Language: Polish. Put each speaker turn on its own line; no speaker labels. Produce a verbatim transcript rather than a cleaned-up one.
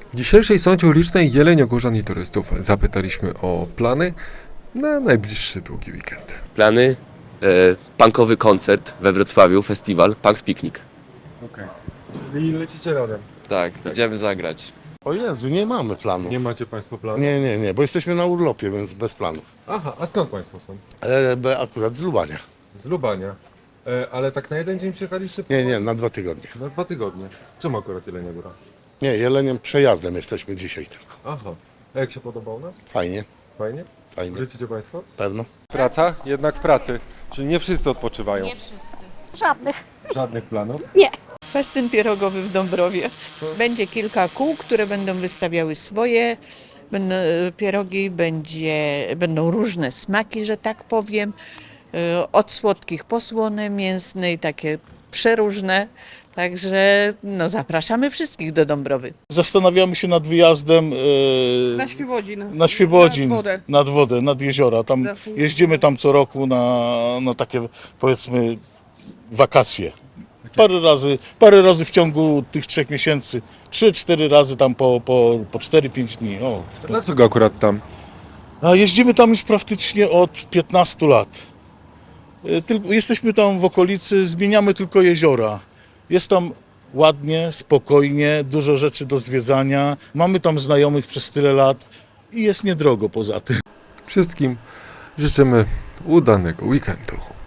W dzisiejszej sądzie ulicznej jeleniogórzan i turystów zapytaliśmy o plany na najbliższy długi weekend.
Plany, e, punkowy koncert we Wrocławiu, festiwal Punks Picnic.
Okej. Czyli lecicie razem.
Tak, idziemy zagrać.
O Jezu, nie mamy planu.
Nie macie Państwo planu?
Nie, nie, nie, bo jesteśmy na urlopie, więc bez planów.
Aha, a skąd Państwo są?
E, be- akurat z Lubania.
Z Lubania. E, ale tak na jeden dzień przyjechaliście?
Nie, nie, na dwa tygodnie.
Na dwa tygodnie. Czemu akurat Jelenia Góra?
Nie, Jeleniem przejazdem jesteśmy dzisiaj tylko.
Aha. A jak się podoba u nas?
Fajnie,
Fajnie?
fajnie,
Wrócicie Państwo?
pewno.
Praca? Jednak w pracy. Czyli nie wszyscy odpoczywają. Nie wszyscy.
Żadnych.
Żadnych planów?
Festyn pierogowy w Dąbrowie. Będzie kilka kół, które będą wystawiały swoje będą, e, pierogi, będzie, będą różne smaki, że tak powiem. E, Od słodkich po słone, mięsne i takie przeróżne. Także no, zapraszamy wszystkich do Dąbrowy.
Zastanawiamy się nad wyjazdem e,
Na Świebodzin.
na Świebodzin,
Nad wodę.
nad wodę, nad jeziora. Tam
Zawsze.
jeździmy tam co roku na, na takie, powiedzmy, wakacje. Parę razy, parę razy w ciągu tych trzech miesięcy, trzy, cztery razy tam po, po, po cztery, pięć dni. O.
Dlaczego akurat tam?
A jeździmy tam już praktycznie od piętnastu lat. E, Tylko, jesteśmy tam w okolicy, zmieniamy tylko jeziora. Jest tam ładnie, spokojnie, dużo rzeczy do zwiedzania. Mamy tam znajomych przez tyle lat i jest niedrogo poza tym.
Wszystkim życzymy udanego weekendu.